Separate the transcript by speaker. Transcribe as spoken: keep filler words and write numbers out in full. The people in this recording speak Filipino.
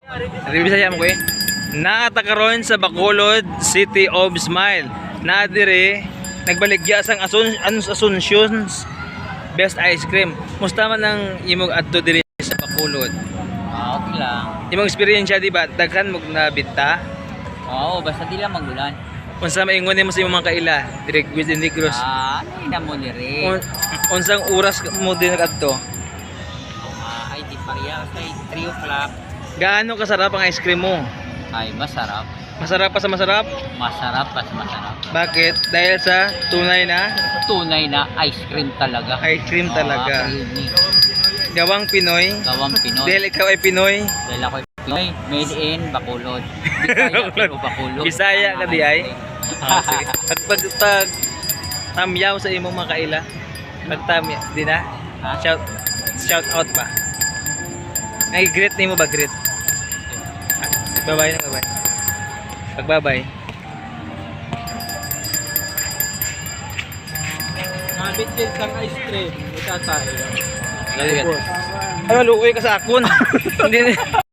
Speaker 1: Bisaya mo ko eh. Nakatakaroon sa Bacolod, City of Smile. Na dire nagbaligya sang Asun Asuncions best ice cream. Musta man ang imong adto diri sa Bacolod?
Speaker 2: Ah, okay lang.
Speaker 1: Imong experience di ba daghan mo nabita?
Speaker 2: Oo, basta di lang magulan.
Speaker 1: Unsa maingon nimo sa imong mga kaila dire within Negros?
Speaker 2: Ah, ano na mo ni Ray?
Speaker 1: Un unsang oras mo din ngadto?
Speaker 2: Ah, ay di pariya sa three o'clock.
Speaker 1: Gaano kasarap ang ice cream mo?
Speaker 2: Ay, masarap.
Speaker 1: Masarap pa sa masarap?
Speaker 2: Masarap pas masarap.
Speaker 1: Bakit? Dahil sa tunay na
Speaker 2: Tunay na ice cream talaga.
Speaker 1: ice cream talaga.
Speaker 2: Ah, creamy.
Speaker 1: Gawang Pinoy.
Speaker 2: Gawang Pinoy.
Speaker 1: Dahil ikaw ay Pinoy.
Speaker 2: Dahil ako Pinoy, made in Bacolod. Bisaya pero Bacolod.
Speaker 1: Bisaya ka
Speaker 2: Ang
Speaker 1: di ay?
Speaker 2: ice cream.
Speaker 1: Ah, sige. Pag, pag, pag tamyaw sa imong mga kaila, pag tamya, di na?
Speaker 2: Ha?
Speaker 1: Shout, shout out pa. Ay, greet nimo ba? Greet. Bye-bye na, bye-bye. Pagbabay.
Speaker 3: Nabit din sang ice cream. Itatay.
Speaker 1: Ano, luoy ka sa akon. Hindi